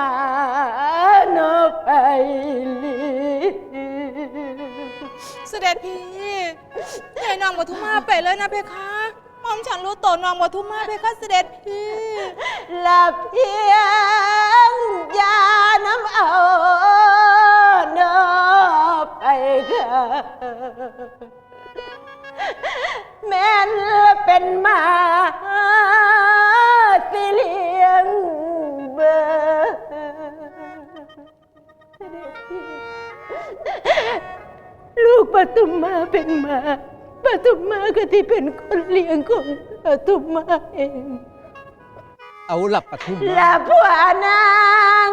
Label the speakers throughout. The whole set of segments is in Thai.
Speaker 1: โนไปลี
Speaker 2: เสด็จพี่ให้น้องปทุมมาไปเลยนะเพคะหม่อมฉันรู้ตัวน้องปทุมมาเพคะเสด็จพี่
Speaker 1: ละเพียงยาน้ำเอาโนไปค่ะแม่นเป็นมาสิเลี้ยงเบอลูกปทุมมาเป็นมาปทุมมาก็ที่เป็นคนเลี้ยงของปทุมมาเอง
Speaker 3: เอาหลับปทุมมา
Speaker 1: ละผัวนาง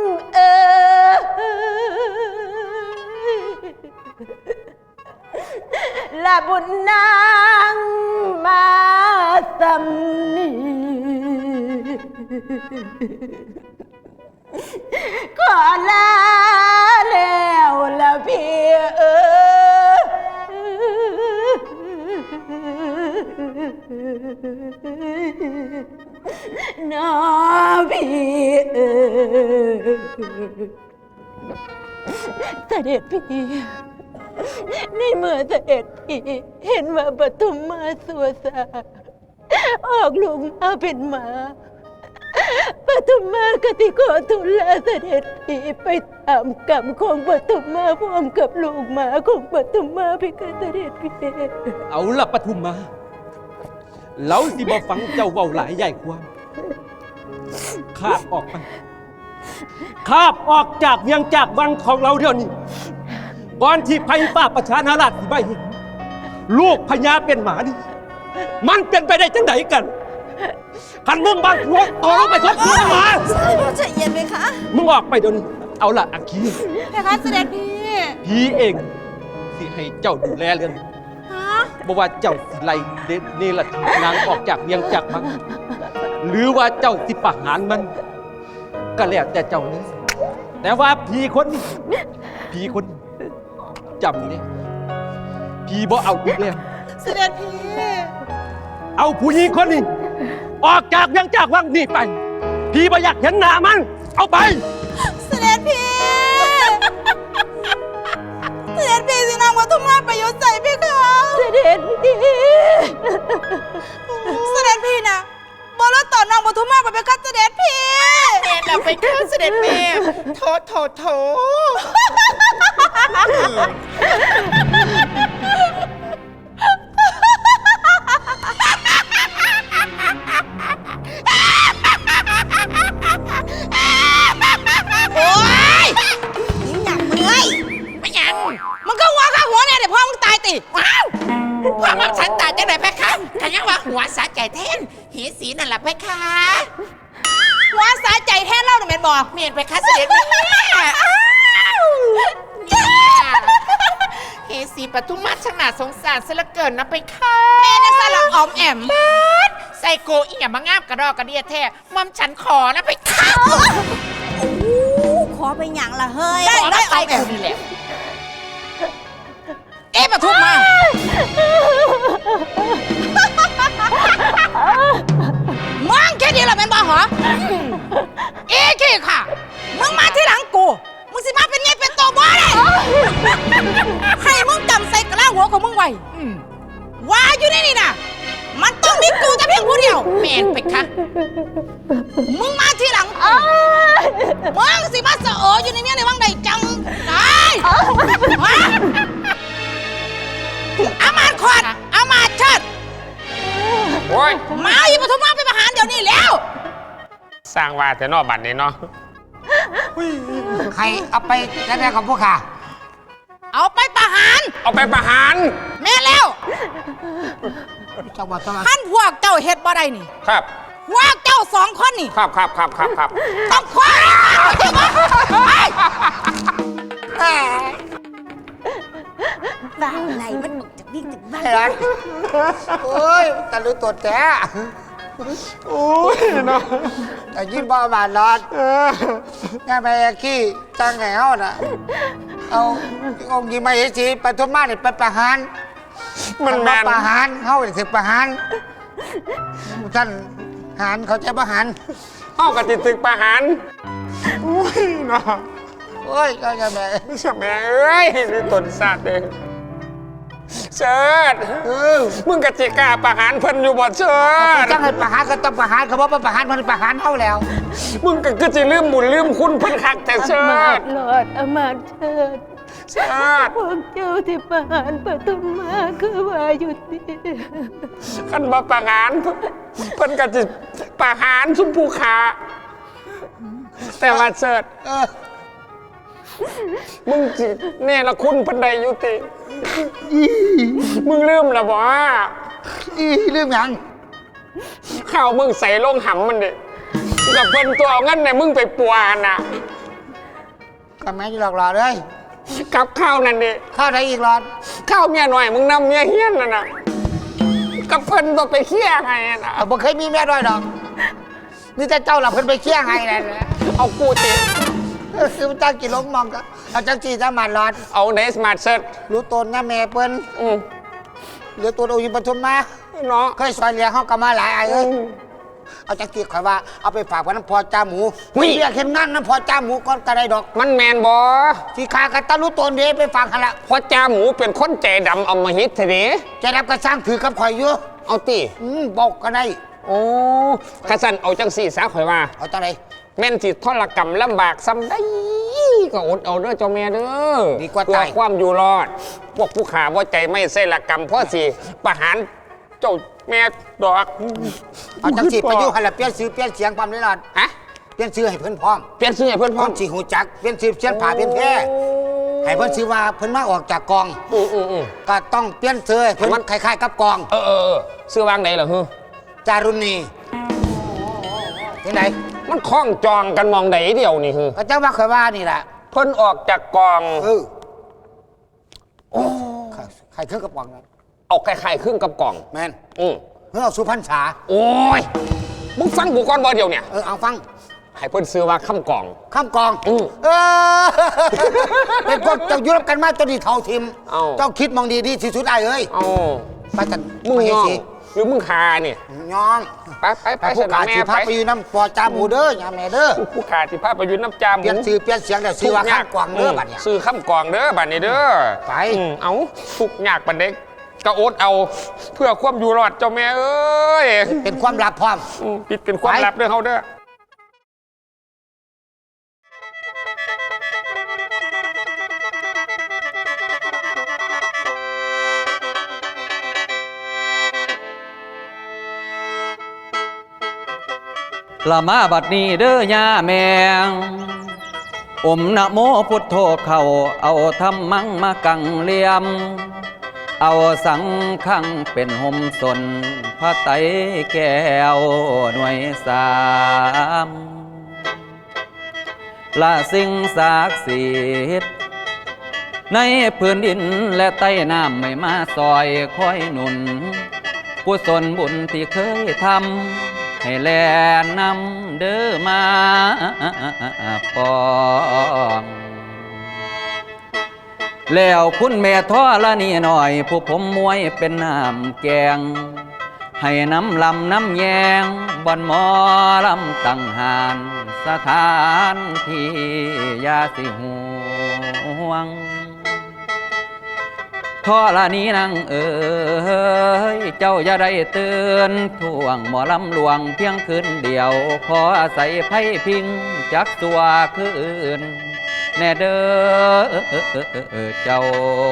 Speaker 1: ละบุญนางมาสำนีขอลาแล้วละพี่น้าพี่เสด็จพี่ในเมื่อเสด็จพี่เห็นว่าปทุมมาสัวสาออกลูกมาเป็นหมาปทุมมาก็ที่ขอทูลลาเสด็จพี่ไปตามกรรมของปทุมมาพร้อมกับลูกหมาของปทุมมาพี่ก็เสด็จพี่
Speaker 3: เอาหลับปทุมมาเราสิบ่ฟังเจ้าเว้าหลายใหญ่ความคาบออกไปคาบออกจากเวียงจากวังของเราเดี๋ยวนี้ก่อนที่ไพฟ้าประชานาราชสิใบเห็นลูกพญาเป็นหมานี่มันเป็นไปได้จังไดกันขันมึงบางหัวต่อลงไปทบหัวหมา
Speaker 2: ใจเย็นไหมคะ
Speaker 3: มึงออกไปเดี๋ยวนี้เอาละอักคี
Speaker 2: เพคะเสด็จพี่
Speaker 3: พี่เองสิให้เจ้าดูแลเรื่องบอกว่าเจ้าสิไล่เนรทีนางออกจากเวียงจากมันหรือว่าเจ้าสิประหารมันก็แล้วแต่เจ้าเลยแต่ว่าพี่คนจำเนี่ยพี่บ่เอาอีกแล้ว
Speaker 2: เสด็จพี่
Speaker 3: เอาผู้หญิงคนนี้ออกจากเวียงจากวังนี่ไปพี่บ่อยากเห็นหน้ามันเอาไป
Speaker 2: เสด็จพี่เสด็จพี่สินางปทุมมาไปยศใส่พี่คะ
Speaker 1: เสด็จพี่
Speaker 2: เสด็จพี่นะบอลต่อนางปทุมมาไปเป็นข้าเสด็จพี่
Speaker 4: เด็ดเราไปข้าเสด็จพี่โถ
Speaker 2: โอ้ยยิ่งหนักเมื่อย
Speaker 4: ไม่ยัง
Speaker 2: มันก็หัวข้าหัวเนี่ยเดี๋ยวพ่อมึงตายติ
Speaker 4: ว้าวพ่อมันฉันตายจังไหนเพคะขันยังว่าหัวสาใจแทนหีสีนั่นแหละเพคะ
Speaker 2: หัวสาใจแทนเล่าหนูเมนบอก
Speaker 4: เมียนเพคะเสด็จแม่เฮสีปทุมมาช่างน่าสงสารซะเหลือเกินนะเพคะ
Speaker 2: แม่นักสลักออมแอม
Speaker 4: ไซโกอีหยังมางามกระดอกกระเดียแท้มัมฉันขอนะเพคะ
Speaker 2: ขอไปหยังล่ะเฮ้ย
Speaker 4: ได้ไซโกนี่แหละ
Speaker 2: ปทุมมามึงแค่นี้เหรอแม่นบ่เหรอขี้ค่ะมึงมาที่หลังกูมึงสิมาเป็นไงเป็นตัวบ่ได้ให้มึงจำใส่กระลาหัวของมึงไว้ว่าอยู่นี่นะมันต้องมีกูแต่เพียงผู้เดียว
Speaker 4: แม่นไปค่ะ
Speaker 2: มึงมาที่หลังมึงสิมาเสออยู่ในเมียในวังใดจังได้อามาขอดอามาเชิด
Speaker 4: โอ้ย
Speaker 2: มาอีปทุมมาไปประหารเดี๋ยวนี้แล้ว
Speaker 4: สร้างว่าแต่นอกบัตรนี่เนาะ
Speaker 5: ใครเอาไปแน่ๆของพวกข้า
Speaker 2: เอาไปประหารแม่แล้วท่านพวกเจ้าเฮ็ดบ่ได้นี่
Speaker 4: ครับ
Speaker 2: พวกเจ้า2 คนนี่
Speaker 4: ครับ
Speaker 2: ต้องคว้าบ้าไหนมันบอกจะวิ่งถึงบ้าน
Speaker 5: โอ้ยตะลุตัวแจ๊
Speaker 3: โอ้ยเนาะ
Speaker 5: แต่ยิ้มบ้าบานนอนง่ายไปขี้จังแหวน่ะเอาองค์ยิงมาเฮสีปทุมมาเนี่ยไปประหาร
Speaker 3: มัน
Speaker 5: ประหารเข้าถึงประหารท่านหารเขาจะประหาร
Speaker 3: เข้ากับติดตึกประหาร
Speaker 6: อ้ยเนาะ
Speaker 5: โอ้ยก็จะแม่
Speaker 6: เสียแม่เอ้ยนี่ตนสัตว์เองเชิดมึงกะจิกล้าประหารเพิ่นอยู่บ่เชิด
Speaker 5: จังให้ประหารก็ต้องประหารเขาบอกว่าประหารมันประหารเขาแล้ว
Speaker 6: มึงก็คือสิลืมบุญลืมคุณเพิ่นคักแต่เชิ
Speaker 1: อำมาต
Speaker 6: ด
Speaker 1: ย์หลอดอำมาตย์เชิด
Speaker 6: เชิด
Speaker 1: พวกเจ้าที่ประหารปฐุมมาคือว่าอยู่ดี
Speaker 6: คันบ่ประหารเพิ่นก็สิประหารชุมภูขาแต่ว่าเชิดมึงสิเนรคุณเพิ่นได้อยู่ติมึงลืมแล้วบ่
Speaker 5: เรื่องหยัง
Speaker 6: ข้าวมึงใส่ลงหำมันดิกับเพิ่นตัวเอางั้นเนี่ยมึงไปปัวน่ะ
Speaker 5: ก็แม่จะหลอกหลอเลย
Speaker 6: กับข้าวนั่นดิ
Speaker 5: ข้าวได้อีกหลอด
Speaker 6: ข้าวเมียหน่อยมึงนำเมียเฮี้ยนน่ะนะกับเพิ่นตัวไปเคี่ยไงน่ะ
Speaker 5: บ่เคยมีแม่ด้วยดอกนี่แต่เจ้าหลับเพิ่นไปเคี่ยงให้นั่นแหละ
Speaker 6: เอากูติ
Speaker 5: คือเจ้ากี่ล้มมองก็เอาจังจีจะมาหลอด
Speaker 6: เอาในสมาร์ทเซ็ต
Speaker 5: รู้ตนนะแม่เปิ้นเหลือตัวโอยิปทุมมา
Speaker 6: เนาะ
Speaker 5: เคยซอยเลี้ยงเขาก็มาหลายไอ้เอ้ยเอาจังจีข่อยว่าเอาไปฝากไว้น้ำพอจ้าหมูเรียกเห็นงานน้ำพอจ้าหมูก่อนก็ได้ดอก
Speaker 6: มันแมนบอ
Speaker 5: ที่ขากันตารู้ตนเด้ไปฝากกันละ
Speaker 6: เพราะจ่าหมูเป็นคนใจดำเอามาฮิตเถอะดิ
Speaker 5: จะรับกระสร้างถือกับข่อยอยู่
Speaker 6: เอาติ
Speaker 5: บอกก็ได้
Speaker 6: โอ้กระสันเอาจังสี่สาข่อยว่า
Speaker 5: เอาจังไร
Speaker 6: แม่นสิทรกรรมลำบากซ้ำได้ก็อดเอาเด้อเจ้าแม่เด้อ
Speaker 5: ดีกว่า
Speaker 6: เพื่อ
Speaker 5: ตาย
Speaker 6: ความอยู่รอด พวกผู้ขาว่าใจไม่ใส่ละกรรมเพราะสิประหารเจ้าแม่ดอก
Speaker 5: เอาจังจีไปอยู่หันละเปลี่ยนชื่อเปลี่ยนเสียงความได้หลอด
Speaker 6: ฮะ
Speaker 5: เปลี่ยนชื่อให้เพิ่นพร้อม
Speaker 6: เปลี่ยนชื่อให้เพื่อน
Speaker 5: พ
Speaker 6: พ่
Speaker 5: ร้
Speaker 6: อ
Speaker 5: อมสีหูจักเปลี่ยนชื่อเปลี่ยนผ่าเปลี่ยนแพร่ให้เพิ่นชื่อว่าเพิ่นมาออกจากกอง ก็ต้องเปลี่ยนชื่อให้เพิ่นคล้ายๆกับกอง
Speaker 6: ซื้อวางไหนเหรอฮึ
Speaker 5: จารุณีที่ไหน
Speaker 6: มันคล้องจองกันมองไหนเดียวนี่ฮึ
Speaker 5: ก็เจ้าว่าเคยว่านี่แหละ
Speaker 6: เพิ่นออกจากกอง
Speaker 5: โอ้ใครเครื่องกระป๋องนั้น
Speaker 6: เอาไข่ๆครึ่งกับกล่อง
Speaker 5: แมน
Speaker 6: อืม
Speaker 5: เมื่อเอาสุพรรณษา
Speaker 6: โอ้ยมึงฟังกูก่อนบ่เดียวเนี่ย
Speaker 5: เอาฟัง
Speaker 6: ให้เพิ่นซื้อว่าข้ามกล่อง
Speaker 5: ข้ามกอง เป็นพวกเจ้ายุรบกันมาจนดีเท่าทิม
Speaker 6: เอ้า
Speaker 5: เจ้าคิดมองดีดีที่สุดไอ้เอ้ย
Speaker 6: เอา
Speaker 5: ไปกัน
Speaker 6: มึง
Speaker 5: ไป
Speaker 6: ย่อง
Speaker 5: สิ
Speaker 6: หรือมึงคาเนี่ย
Speaker 5: ย่อง
Speaker 6: ไป
Speaker 5: ไปพวกขา
Speaker 6: แม่
Speaker 5: ชีพักไปอยู่น้ำปอจาหมูเด้อยาแม่เด้อ
Speaker 6: ผู้ขาที่พาไปยืนน้ำจามห
Speaker 5: เปลี่ยน
Speaker 6: มู
Speaker 5: ชื่อเปลี่ยนเสียงแต่ซื้อว่าข้ามกองเด้อบัดเนี่ย
Speaker 6: ซื้อข้ามกล่องเด้อบัดนี้เด้อ
Speaker 5: ไป
Speaker 6: เอาทุกยากบัดเด็กกระโอดเอาเพื่อความอยู่รอดเจ้าแม่เอ้ย
Speaker 5: เป็นความลับพร้อม
Speaker 6: ปิดเป็นความลับเด้อเฮาเด้อ
Speaker 7: ละมาบัดนี้เด้อย่าแมงอมนะโมพุทโธเข้าเอาธรรมังมากังเลียม เอาสังขังเป็นห่มสนพระไตรแก้วหน่วยสามละสิ่งศักดิ์สิทธิ์ในพื้นดินและใต้น้ำไม่มาซอยคอยหนุนกุศลบุญที่เคยทำให้แลนำเด้อมาปองแล้วคุณแม่ท่อละนี่หน่อยผู้ผมมวยเป็นน้ำแกงให้น้ำลำน้ำแยงบอนหมอลำตั้งหานสถานที่ยาสิห่วงท่อละนี้นางเอ๋ยเจ้าอย่าได้เตือนท่วงหมอลำหลวงเพียงคืนเดียวขออาศัยไพ่พิงจักตัวคืนแน่เด้อเจ้า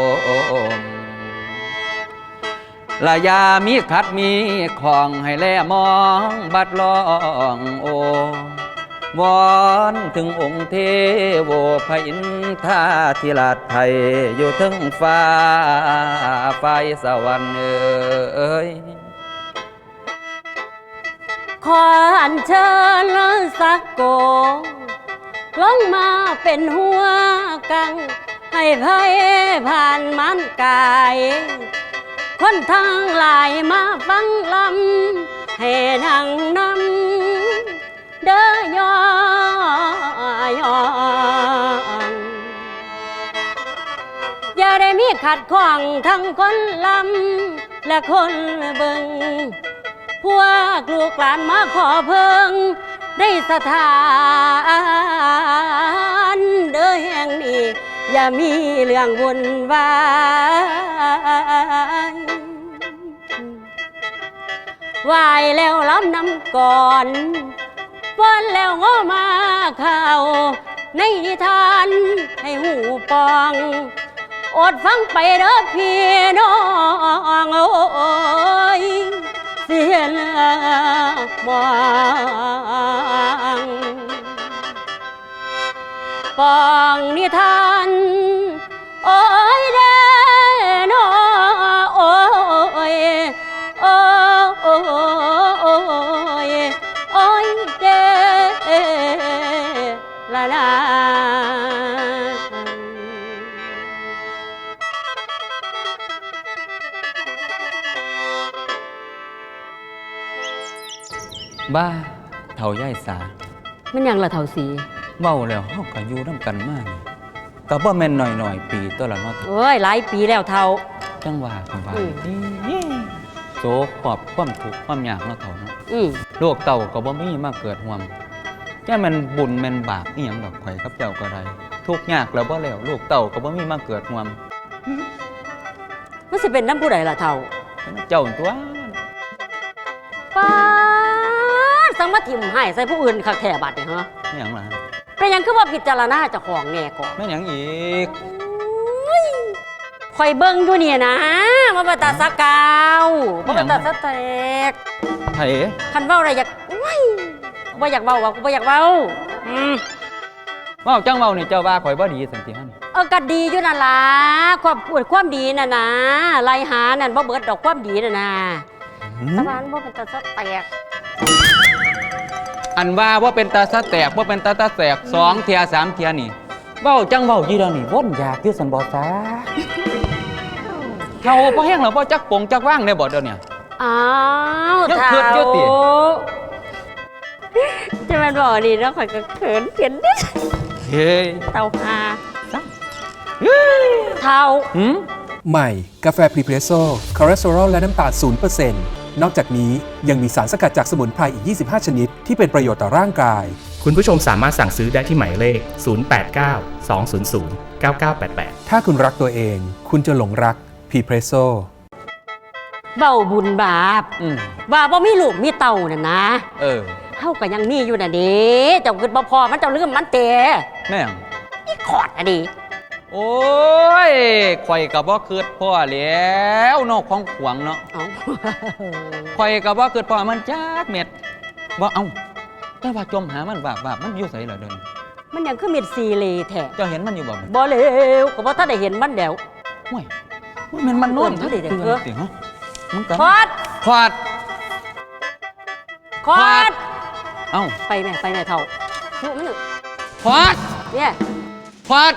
Speaker 7: ละยามีขัดมีของให้แลมองบัดลองโอวอนถึงองค์เทโวพระอินทราธิราชไทยอยู่ถึงฟ้าไฟสวรรค์เอ้ย
Speaker 1: ขออัญเชิญสักโกลงมาเป็นหัวกัง ให้ไพ่ผ่านมันกาย คนทั้งหลายมาฟังลำให้นั่งนำเด้อยอนอย่าได้มีขัดข้องทั้งคนลำและคนเบิงพวกลูกหลานมาขอเพิงได้สถานเด้อแห่งนี้อย่ามีเรื่องวุ่นวายไหวแล้วล้ำน้ำก่อนป้อนแล้วง้อมาเข้าในนิทานให้หูปองอดฟังไปเด้อพี่น้องโอ้ยเสียเลือมองปองนิทานโอ้ยเด้อนอโอ้ยโอ้ยโอ้ยเด้ละลา
Speaker 7: บ้าเฒ่าย่ายสา
Speaker 1: มันยังละเท่าสี
Speaker 7: เว้าแล้วเฮาก็อยู่นำกันมานี่ก็บ่แม่นน้อยๆปีตัวละเนาะ
Speaker 1: โอ้ยหลายปีแล้วเท่า
Speaker 7: จังว่ากันว่า
Speaker 1: อืม
Speaker 7: โศกขอบความทุกข์ความยากเนาะเฒ่าเนาะ
Speaker 1: อืม
Speaker 7: โลกเต่าก็บ่มีมาเกิดห่วมแค่มันบุญแม่นบาปอีหยังดอกข่อยกับเจ้าก็ได้ทุกข์ยากแล้วบ่แล้วลูกเต่าก็บ่มีมาเกิดห่วม
Speaker 1: มันสิเป็นน้ำผู้ใดล่ะเท่า
Speaker 7: เจ้าตัว
Speaker 1: ป้าดสังมาทิมให้ใส่ผู้อื่นคักแท้บัดนี่ฮะ
Speaker 7: แม่หยังล่ะ
Speaker 1: เป็นหยังคือว่าพิจารณาเจ้าของแน่ก่อน
Speaker 7: แม่หยังอีก
Speaker 1: ข่อยเบิ่งอยู่เนี่ยนะมาบ่ตาสะกาวบ่ตาสะแตก
Speaker 7: ไผ
Speaker 1: คันเว้าอะไรอยากว้ายบ่อยากเว้าว่ากูบ่อยากเว้า
Speaker 7: เว้าจังเว้านี่เจ้าว่าข่อยบ่ดีสันติหั่น
Speaker 1: ก็ดีอยู่นั่นล่ะความดีน่ะนะไล่หานั่นบ่เบิดดอกความดีน่ะนะตะวันบ่เป็นตาสะแตก
Speaker 7: อันว่าบ่เป็นตาสะแตกบ่เป็นตาแตก2เที่ย3เที่ยนี่เว้าจังเว้าอยู่เดี๋ยวนี้วนอยากอยู่สันบ่ซาเฮาบ่แห้งแล้วบ่จักปงจักว่างได้บ่เดี๋ยวนี้
Speaker 1: อ้าว
Speaker 7: ยังเขินอยู่ติ
Speaker 1: จะแม่นบ่นี่เนาะข่อยก็เขินเขียนนิด
Speaker 7: เฮ้ย
Speaker 1: เต่าหาเท่า
Speaker 7: หืม
Speaker 8: ใหม่ กาแฟพรีเพรสโซ่คอเลสเตอรอลและน้ำตาล 0% นอกจากนี้ยังมีสารสกัดจากสมุนไพรอีก 25 ชนิด ที่เป็นประโยชน์ต่อร่างกาย
Speaker 9: คุณผู้ชมสามารถสั่งซื้อได้ที่หมายเลข 089 200 9988
Speaker 8: ถ้าคุณรักตัวเอง คุณจะหลงรักพรีเพรสโซ่
Speaker 1: เบาบุญบาป ว่าบ่มีลูกมีเต่าน่ะนะ
Speaker 7: เออ
Speaker 1: เฮาก็ยังมีอยู่น่ะเด้เจ้าคิดบ่พอมันเจ้าลืมมันเตะ
Speaker 7: แม่ง
Speaker 1: อีขอดน่ะดิ
Speaker 7: โอ้ยข่อยก็บ่คิดพ่อแล้วนอกของขวางเนาะ
Speaker 1: เอ้า
Speaker 7: ข่อยก็บ่คิดพ่อมันจักเม็ดบ่เอ้าแต่ว่าจมหามันบาปมันอยู่ไสล่ะเดิน
Speaker 1: มันยังคือเม็ดซีเลแท้
Speaker 7: เจ้าเห็นมันอยู่บ่
Speaker 1: บ่เลวก็บ่ทันได้เห็นมันแล้ว
Speaker 7: ห่วยมันนอน
Speaker 1: เออเดี๋ยว
Speaker 7: ตื่นสิฮะมันกัน
Speaker 1: ขอด
Speaker 7: ขอด
Speaker 1: ขอด
Speaker 7: เอ้า
Speaker 1: ไปแม่เท่าลูกมัน
Speaker 7: ขอด
Speaker 1: เนี่ย
Speaker 7: ขอด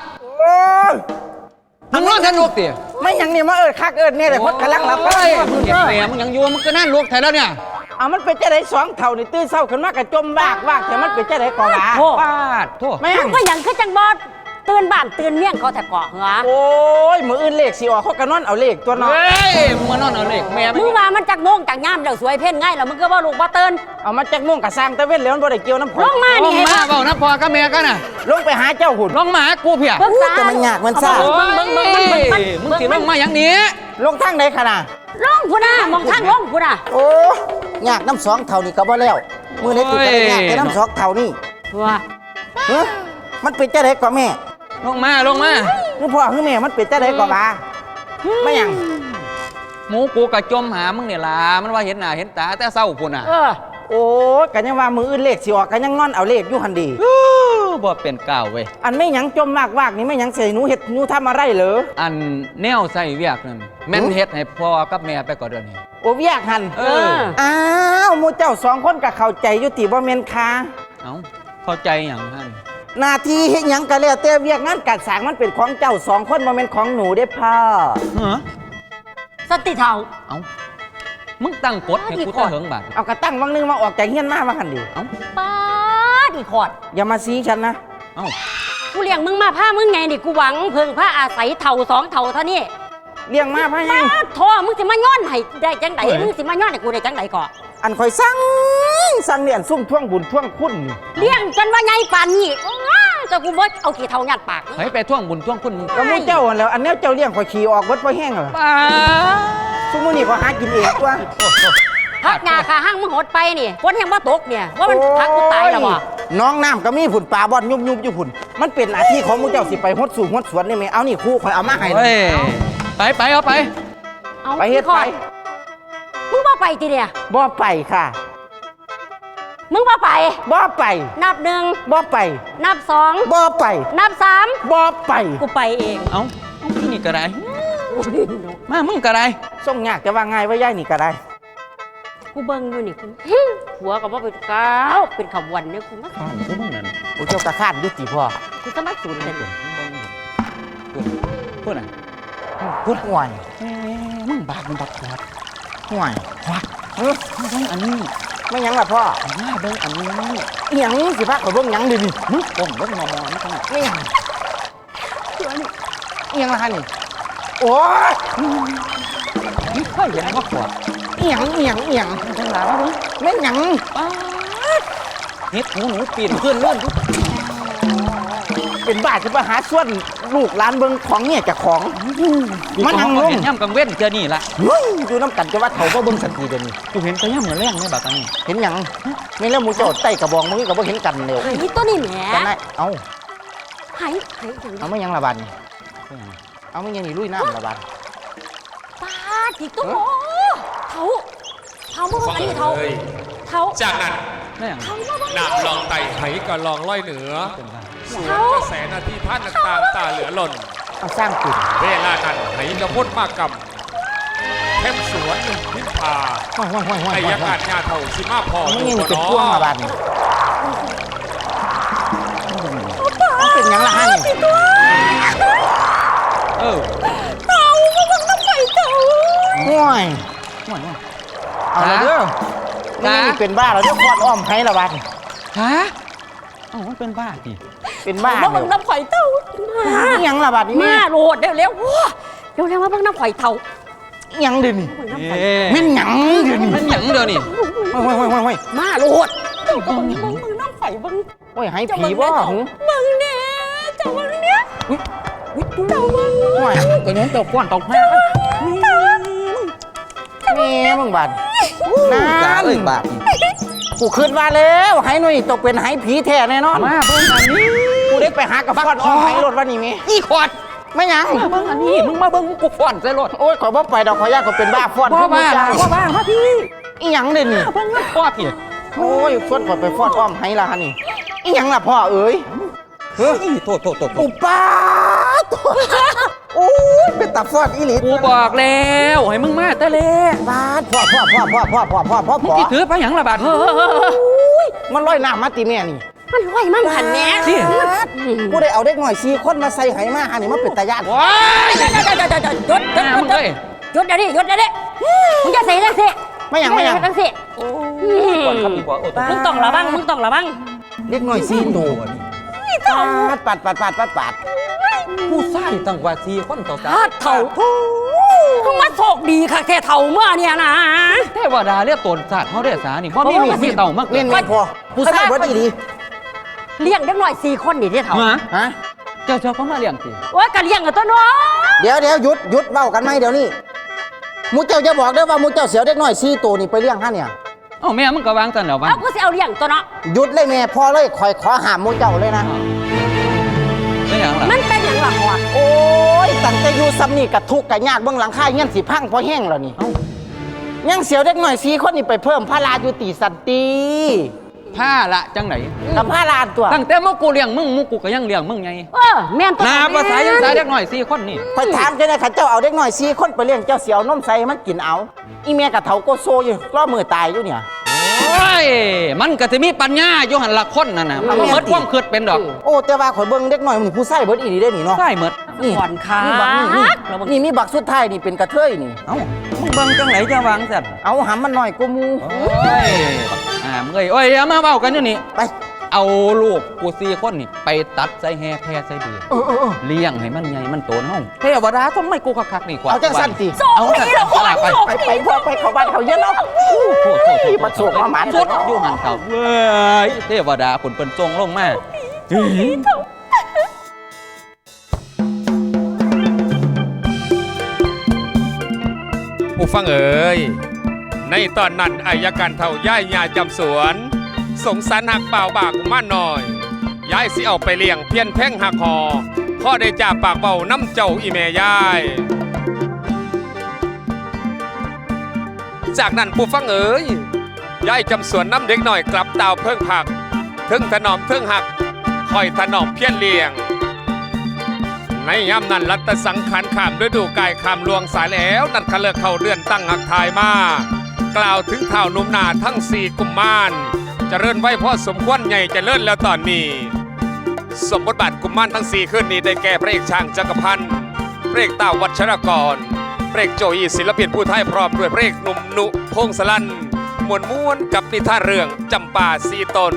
Speaker 7: มันนอนทันลูกติ
Speaker 2: ไม่หยังนี่มาคักเนี่ยเลยเพราะกำลังหลับ
Speaker 7: โอ้ยมึงเก็บแผลมึงยังอยู่มันก็นั่นลูกแท้แล้วเนี่ย
Speaker 2: เอามันเป็นจะได้สองเท่านี่ตื่นเช้าขึ้นมาก็จมวากแต่มันเป็นจะได้ก่อหลา
Speaker 1: โอ้
Speaker 7: ปาดโทษ
Speaker 2: แม่ง
Speaker 1: ก็ยังคือจังบ่ตื่นบ้านตื่นเมี่ยงเขาแต่เกาะเหรอ
Speaker 2: โอ้ยมืออื่นเลขสิออกเขาก็นอนเอาเลขตัวน้อย
Speaker 7: เฮ้ยมึงมานอนเอาเหล็กแม่
Speaker 1: มึงว่ามันจักโมงจักยามแล้วสวยเพ่นง่ายแล้วมึงก็บ่ลูกบ่ตื่น
Speaker 2: เอามาจากม่วงกับสร้างตะเว้นแล้วมันบ่ได้เกี่ยวน้ำผ
Speaker 1: ลงมา
Speaker 7: ล
Speaker 1: นี่
Speaker 7: ง
Speaker 1: เห็น
Speaker 7: มา
Speaker 1: ปะ
Speaker 7: เปล่านะพ่อกับแม่กันน่ะ
Speaker 2: ลงไปหาเจ้าหุ่น
Speaker 7: ลงมาหากูเพีย
Speaker 1: เบิ่งซะ
Speaker 2: แต่มันยากมันซ่า
Speaker 7: โอ้ยมึงสิลงมาอย่างนี้
Speaker 2: ลงทางไหนขนาด
Speaker 1: ลงพุ่นน่ะมองทางลงพุ่นน่ะ
Speaker 2: โอ้ยากน้ำสองเท่านี่ก็บ่แล้วมือไหนติดกันยากแต่น้ำสองเท่านี่
Speaker 1: ว่า
Speaker 2: เฮ้ยมันเป็นจะได้กว่าแม่
Speaker 7: ลงมา
Speaker 2: คือพ่อคือแม่มันเป็นจะได้กว่าบ้าไม่หยัง
Speaker 7: หมูกูกะจมหามึงเนี่ยล่ะมันว่าเห็นหน้าเห็นตาแต่เศร้าพุ่นน่ะ
Speaker 2: โอ้ยกันยังว่ามืออื่นเลขสิออกกันยังนอนเอาเลขอยู่หันดี
Speaker 7: บ่เป็นก้าวเว้ย
Speaker 2: อันไม่หยังจมวากนี่ไม่หยังเสียหนูเห็ดหนูทำอะไรเหรอ
Speaker 7: อันแนวใส่เวียกนั่นแม่นเฮ็ดให้พ่อกับแม่ไปก่อนเดี๋ยวนี้
Speaker 2: โอ้ยากหัน
Speaker 7: เออ
Speaker 2: อ้าวหมูเจ้าสองคนก็เข้าใจอยู่ติบ่แม่นค่ะ
Speaker 7: เอ้าเข้าใจหยังหั่น
Speaker 2: หน้าที่เฮ็ดหยังก็แล้วแต่เวียกงานการสร้างมันเป็นของเจ้าสองคนบ่แม่นของหนูเด้พ่อ
Speaker 7: ฮะ
Speaker 1: สติเท่า
Speaker 7: เอ้ามึงตั้งกฎให้กูตะเหิงบาด
Speaker 2: เอากระตั้งวังนึงมาออกจากเฮียนมาว่าหั่นดิ
Speaker 7: เอ้า
Speaker 1: ป้าดอีขอด
Speaker 2: อย่ามาซีฉันนะ
Speaker 7: เอ้า
Speaker 1: กูเลี้ยงมึงมาผ้ามึงไงนี่กูหวังเพิ่งผ้าอาศัยเท่าสองเท่าเท่านี้
Speaker 2: เลี้ยงมาพะยัง
Speaker 1: ป้าดโทมึงสิมาย้อนให้ได้จังไดมึงสิมาย้อนให้กูได้จังไดก่อ
Speaker 2: อันข่อยสั่ง
Speaker 10: สั่งเรียนซุ่มท่วงบุญท่วงคุณนี่
Speaker 11: เลี้ยงจนว่าไงป่านนี้แต่กูบ่เอาขี้เท่างัดปาก
Speaker 7: ให้ไปท่วงบุญท่วงคุณ
Speaker 10: ก็มูเจ้าหั่นแหล้วอันแนวเจ้าเลี้ยงข่อยขี่ออกเบิดบ่แห้งเหรอ
Speaker 7: ป้า
Speaker 10: ซุมื้อนี้ก็หากินเองตัว
Speaker 11: พักงาขาห้างมึงหดไปนี่ฝนยังบ่ตกเนี่ยว่ามันพักกูตายแล้วบ่
Speaker 10: น้องน้ำก็มีผุ่นปลาบอนยุบอยู่ผุ่นมันเป็นหน้าที่ของมูเจ้าสิไปฮดสู่ฮดสวนนี่แม่เอานี่ครูข่อยเอามาให้
Speaker 7: เฮ้ยไปเอาไป
Speaker 11: เอา
Speaker 10: ไปเฮ็ดไป
Speaker 11: มึงบ่ไปติเนี่ย
Speaker 10: บ่ไปค่ะ
Speaker 11: มึงบ่ไป
Speaker 10: บ่ไป
Speaker 11: นับหนึ่ง
Speaker 10: บ่ไป
Speaker 11: นับสอง
Speaker 10: บ่ไป
Speaker 11: นับสาม
Speaker 10: บ่ไป
Speaker 11: กูไปเอง
Speaker 7: เอาที่นี่ก็ได้มามึงก็ได้
Speaker 10: ส่งยากแต่ว่าง่ายว่าย่ายนี่ก็ได้
Speaker 11: กูเบิ่งอยู่นี่กูหัวก็บ่เป็นก้าวเป็นขบวนเนี่ยกูมา
Speaker 7: ข้านกูมึงนั่น
Speaker 10: โอ้เจ้ากระคาดยุติพ่อ
Speaker 11: กูจะมาสูนเลย
Speaker 7: พูดน่ะ
Speaker 10: พูดห่วย
Speaker 7: มึงบาดมึงบักขวด
Speaker 10: ห่วย
Speaker 7: มึงเบิ่งอันนี้
Speaker 10: ไม่หยังล่ะพ่อ
Speaker 7: มาเบิ่งอันนี้
Speaker 10: อิหยังสิพาข่อยเบิ่งหยังดินี่
Speaker 7: มึงก้มเบิ่งมอนี่ขนาด
Speaker 10: ไม่หยังอิหยังล่ะฮะนี่โอ้ย
Speaker 7: มึงเคยเห็นบักขวด
Speaker 10: อิหยัง
Speaker 7: จังหลาว่าเบิ่ง
Speaker 10: ไม่หยัง
Speaker 7: เฮ็ดหนูปีนขึ้นเลื่อน
Speaker 10: เป็นบ้าจะมาหาส่วนลูกหลานเบิ่งของเนี่ยจากของมันนั่งลง
Speaker 7: เห็นย่ำกังเว้นเจอนี่ละ
Speaker 10: เฮ้ยอยู่น้ำกันจะว่าเขาบ่เบิ่งสักทีเดี๋ยวนี้
Speaker 7: กูเห็นแต่ย่ำเหมือนแรงในบักอันนี้
Speaker 10: เห็นหยังไม่แล้วหมูเจ้าใต้กระบองมือก็บ่เห็นกันเร็ว
Speaker 11: ไอ้ตัวนี้แหม
Speaker 10: กันได้เอา
Speaker 11: หายอย่าง
Speaker 10: เอาไม่หยังละบัดนี่เอาไม่หยังนี่ลุยน้ำละบัด
Speaker 11: ป้าจิกตัวเท้ามึงอันนี้เท้า
Speaker 4: จากนั้น
Speaker 7: ไม่อย่าง
Speaker 11: เท้ามาบ้าง
Speaker 4: นำลองไต่ไถก็ลองล่อยเหนือสวนกระแสนาทีท่านต่างๆตาเหลือหล่น
Speaker 10: เอาสร้างปิด
Speaker 4: เวลานั้นไหกระพ้นมากกับเข้มสวนพิมพา
Speaker 10: ห้อย
Speaker 4: ไอ้ยักษ์อาจญาเท่าชิมาพอ
Speaker 10: เอาไม่หยังนี่เป็นพ่วงละบัดนี่เอาเป็นหยังละฮะนี่
Speaker 7: เออ
Speaker 10: ห่วย
Speaker 7: ห่วย
Speaker 10: เอาละเด้อนี่เป็นบ้าแล้วเด้อพอดอ้อมให้ละบัดนี่
Speaker 7: ฮะเอ้ามันเป็นบ้าดิ
Speaker 10: เป็นบ้า
Speaker 11: มา
Speaker 10: เด้
Speaker 11: เบิ่ง
Speaker 10: อ
Speaker 11: น้ำข่อยเท้า
Speaker 10: อิหยังละบัดนี่
Speaker 11: มา
Speaker 10: แม่
Speaker 11: โหลดเร็วมาเบิ่งน้ำข่อยเท้า
Speaker 10: อิหยังเดี๋ยวนี้
Speaker 7: เอ๊ะ
Speaker 10: แม่นหยังเดี๋ยวนี้
Speaker 7: มันหยังเดียวนี่
Speaker 10: ห้อย
Speaker 11: มาโหลดเจ้าก็เบิ่งน้ำข่อยเบิ่ง
Speaker 10: โอ้ยให้ผีบ่หึ
Speaker 11: เบิ่งเนี่ยเจ้าเบิ่งเนี่ย
Speaker 10: เจ้ามึงห่วย
Speaker 7: ตัวนี้ตัวก้อนตกแม่
Speaker 10: แม่มึงบาด
Speaker 7: กา
Speaker 10: นั่น
Speaker 7: เอ้ยบาด
Speaker 10: กูขึ้นมาแล้วให้หน่อยตกเป็นให้ผีแท้แน่นอน
Speaker 7: มาเบิ่งอันนี้
Speaker 10: กูได้ไปหากับฟอดอ้อมให้รถวันนี้แม่
Speaker 7: อีขวด
Speaker 10: ไม่หยัง
Speaker 7: มาเบิ่งอันนี้มึงมาเบิ่งกูฟ้อนใส่รถ
Speaker 10: โอ้ยขอยบ่ไปดอกขอยยากก็เป็นบ้าฟอด
Speaker 7: บ่บ้า
Speaker 10: จ้า
Speaker 7: บ่บ้ามาพี่
Speaker 10: อีหยังเด่นนี่
Speaker 7: เบิ่งมันพ่อพี่
Speaker 10: โอ้ยฟอดขอยไปฟอดอ้อมให้ละฮะนี่อีหยังล่ะพ่อเอ๋ย
Speaker 7: เฮ้ยโทษ
Speaker 10: อุปาทโอ้ยเป็นตาฟอดอีหลี
Speaker 7: กูบอกแล้วให้มึงมาแต่เล่
Speaker 10: บาดพ่อ
Speaker 7: มึงสิถือไปหยังละบาด
Speaker 10: มันลอยน้ำมาติแม่นี่
Speaker 11: มันไหวมันหันแม่
Speaker 7: สิ
Speaker 10: กูได้เอาเด็กหน่อย4คนมาใส่ไหมาหานี่มันเป็นตาญาติ
Speaker 7: ว้าย
Speaker 11: หยุด
Speaker 7: หน้ามึงเอ้ย
Speaker 11: หยุดเดี๋ยวนี้มึงจะเสียจังสิ
Speaker 10: ไม่หยัง
Speaker 11: จังสิ
Speaker 7: ก่อนครับดีกว่าโอ้
Speaker 11: มึงต้องระวัง
Speaker 10: เด็กหน่อย4ตัวนี่ปัด
Speaker 7: ผู้ชายตั้งว่า4คนต่อ
Speaker 11: ถ้าเถ่ามึงมาโชคดีค่ะแค่เถ่าเมื่อเนี่ยนะ
Speaker 7: เทวดาเรียกตนศาสตร์เฮาได้สานี่บ่มีลูกมีเต่ามาก
Speaker 10: เล่นไม่พอผู้ชายเบิดอีดี
Speaker 11: เลี้ยงเด็กหน่อย4 คนนี่ที่เถ่า
Speaker 10: ฮะ
Speaker 7: เจ้าเขามาเลี้ยงติ
Speaker 11: โอ้ยก็เลี้ยงกับตัวน้อย
Speaker 10: เดี๋ยวหยุดเบ้ากันไหมเดี๋ยวนี้มูเจ้าจะบอกได้ว่ามูเจ้าเสียวเด็กน้อย4ตัวนี่ไปเลี้ยงฮะเนี่ย
Speaker 7: เอ้าแม่มึงก็วางซั่นแล้ววะ
Speaker 11: เอากูสิเอาเลี้ยงตัวเนาะ
Speaker 10: หยุดเลยแม่พอเลยคอยขอหามมูเจ้าเลยนะ
Speaker 7: เป็นหยังล่ะ
Speaker 11: มันเป็นอย่างหลักวะ
Speaker 10: โอ้ยตั้งแต่อยู่ซ้ำนี่กับทุกข์กับยากเบื้องหลังค่ายเงี้ยสิพังพอแห้งแล้วนี่ยังเสียวเด็กน้อย4 คนนี่ไปเพิ่มพระรายุติสันติ
Speaker 7: ผ้าละจังไหน
Speaker 10: กับพระราตัว
Speaker 7: ตั้งแต่มึงกูเลี้ยงมึงกูก็ยังเลี้ยงมึงไง
Speaker 11: แม่นตัว
Speaker 7: นาภาษายังสายเด็กหน่อย4คนนี่
Speaker 10: คอยถามเจ้าหน้าที่เจ้าเอาเด็กน้อย4 คนไปเลี้ยงเจ้าเสียวนมใส่ให้มันกินเอาอีเมียกับเถาโกโซอยู่รอมือตายอยู่เนี่ย
Speaker 7: โอ้ยมันก็สิมีปัญญาอยู่หั่นละคนนั่นน่ะมันบ่หมดความคิดเป็นดอก
Speaker 10: โอ้แต่ว่าข่อยเบิ่งเด็กน้อยมันผู้ใส่เบิดอีหลีได้นี่เนาะ
Speaker 7: ใช่หมด
Speaker 10: นี่
Speaker 11: ก่อนค่ะ
Speaker 10: นี่บักนี่มีบักสุดท้ายนี่เป็นกระเทยนี่
Speaker 7: เอ้ามึงเบิ่งจังไหนจะวางซั่น
Speaker 10: เอาหำมันหน่อยกูมู
Speaker 7: โอ้ยมึงเอ้ยโอ้ยอย่ามาเว้ากันอยู่นี่
Speaker 10: ไป
Speaker 7: เอาลูกกู4 คนนี่ไปตัดใส่แห่แพร่ใส่เดือเลี้ยงให้มันใหญ่มันโตนเฮาเทวดาต้องไม่กูคักๆนี่กว่า
Speaker 10: เอาจังสั่นติ
Speaker 7: เอาจังสั่นไป
Speaker 10: พวกไปเขาบ้านเขาเยอะแล้ว
Speaker 7: โทษ
Speaker 10: มาสูกมาหมาน
Speaker 7: สุดอยู่หันเขาเว้ยเทวดาคนเปิ้นทรงลงมา
Speaker 6: ผู้ฟังเอ๋ยในตอนนั้นอายการเท่าย่ายยาจำสวนสงสารหักเปล่าบากมาหน่อยย้ายสิเอาไปเลี้ยงเพียนแพ่งหักคอพ่อได้จ่าปากเบาน้ำเจ้าอีแม่ยายจากนั้นผู้ฟังเอ๋ยย้ายจำสวนน้ำเด็กหน่อยกลับดาวเพิ่งผักถึงถนอมเพิ่งหักคอยถนอมเพียนเลี้ยงในยามนั้นรัตสังขารขามฤดูกายขามลวงสายแล้วนัดขะเลิกเข้าเรือนตั้งหักทายมากล่าวถึงเท่านุ่มนาทั้ง4 กุมมารเจริญไว้พ่อสมควรใหญ่เจริญแล้วตอนนี้สมบทบาทกุมมารทั้ง4ขึ้นนี้ได้แก่พระเอกช่างจักรพันธ์พระเอกต้าวัชรกรพระเอกโจอีศิลปินผู้ไทยพร้อมด้วยพระเอกหนุ่มนุพงศลันม้วนกับนิทานเรื่องจำปา4 ตน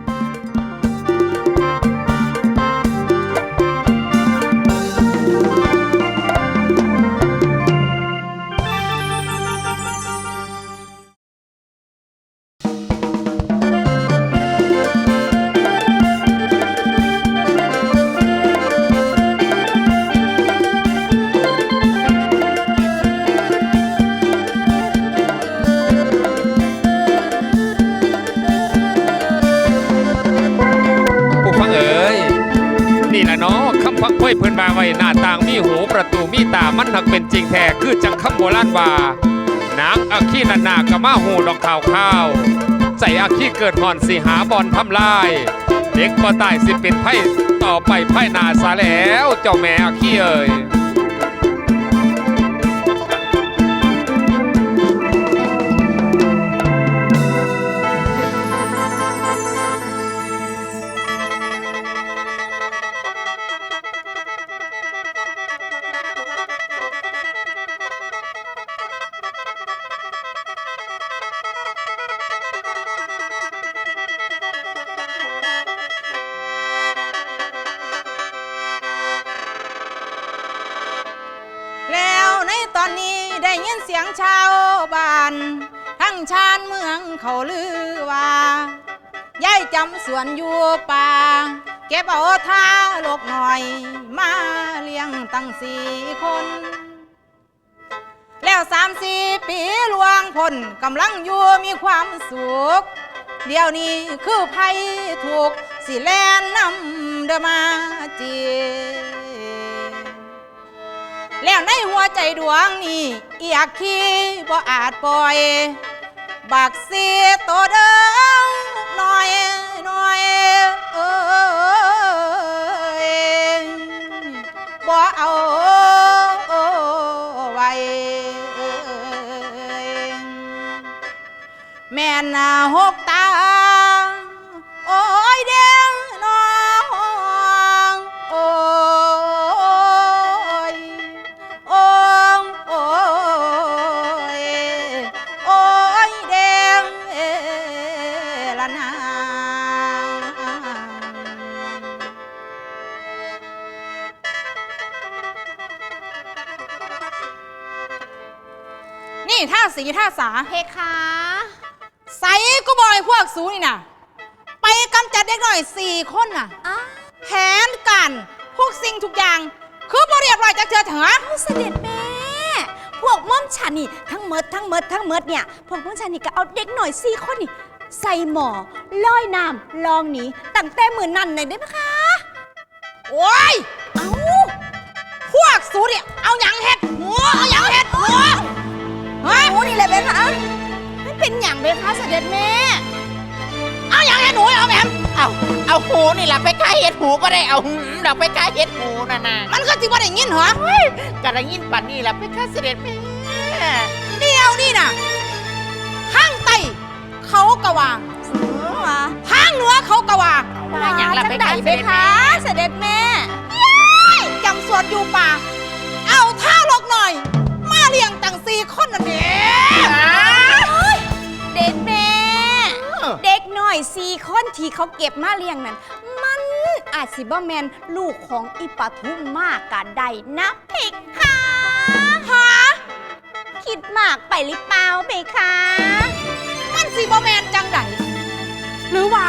Speaker 6: พักไว้เพื่อนมาไว้หน้าต่างมีหูประตูมีตามันหักเป็นจริงแท้คือจังคำโบราณว่านางอาคีนันนากะมาหูดอกข้าวใจอาคีเกิดห่อนสิหาบอลทำลายเด็กบ่ตายสิเป็นไพ่ต่อไปไพ่นาซาแล้วเจ้าแม่อาคีเอ่ย
Speaker 2: ตอนนี้ได้ยินเสียงชาวบ้านทั้งชานเมืองเขาลือว่ายายจำสวนอยู่ป่าเก็บเอาท่าลูกหน่อยมาเลี้ยงตั้ง4 คนแล้ว3-4 ปีลวงพ้นกำลังอยู่มีความสุขเดี๋ยวนี้คือภัยถูกสิแลนนำเดมาจีแล้วในหัวใจดวงนี้อยากขี้บ่อาจปล่อยบักสีโตเดิงน้อยบ่เอาไว้แม่น่ะ6 ตาโอ้ยเด้งน้องโอ้ยแดงละนานี่ท่าสีท่าสาเพคะใส่ก็บอยพวกสูนี่นะไปกำจัดเด็กหน่อย4 คนน่ะแผนการพวกสิ่งทุกอย่างคือบ่เรียบร้อยจากเธอเถอะเสด็จแม่พวกม่อมฉันนี่ทั้งเมดเนี่ยพวกม่อมฉันนี่ก็เอาเด็กหน่อย4 คนนี่ใส่หมอลอยน้ำลองหนีตั้งแต่มื้อนั้นเลยได้ไหมคะโอ้ยเอาพวกสูเนี่ยเอาหยังเฮ็ดหัวเอาหยังเฮ็ดหัวเฮ้ยหัวนี่แหละเบคะมันเป็นหยังเบคะเสด็จแม่เอาหยังเฮ็ดหัวเอาแหม
Speaker 10: เอาหูนี่แหละไปใกล้เห็ดหูก็ได้เอาดอกไปใกล้เห็ดหูน่ะ
Speaker 2: มันก็สิบ่ได้ยินเหรอ
Speaker 10: ก็ได้ยินปันนี่แหละไปใกล้เสด็จแม่
Speaker 2: เดี๋ยวนี่น่ะข้างใต้เขากะวางข้างเหนือเขากะวาง
Speaker 10: อย่างละไปใกล้เสด็จแม่
Speaker 2: เสด็จแม่จำสวนอยู่ป่าเอาท่าลกหน่อยมาเลี้ยงตั้ง4 คนน่ะเด็ก
Speaker 10: เด็ดแม่
Speaker 2: เด็กน้อย4 คนที่เขาเก็บมาเลี้ยงนั้นมันอาจสิบ่แมนลูกของอีปทุมมากกะได้นะเพคะฮะคิดมากไปหรือเปล่าเพคะมันสิบ่แมนจังไดหรือว่า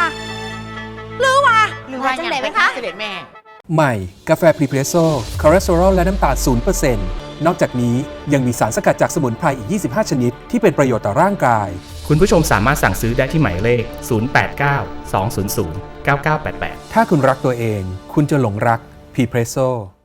Speaker 2: จังไดไหมคะ
Speaker 4: เสด็จแม่
Speaker 8: ใหม่ กาแฟพรีเพรสโซ่คอเลสเตอรอลและน้ำตาล 0% นอกจากนี้ยังมีสารสกัดจากสมุนไพรอีก 25 ชนิดที่เป็นประโยชน์ต่อร่างกาย
Speaker 9: คุณผู้ชมสามารถสั่งซื้อได้ที่หมายเลข 089 200 9988
Speaker 8: ถ้าคุณรักตัวเอง คุณจะหลงรักพรีเพรสโซ่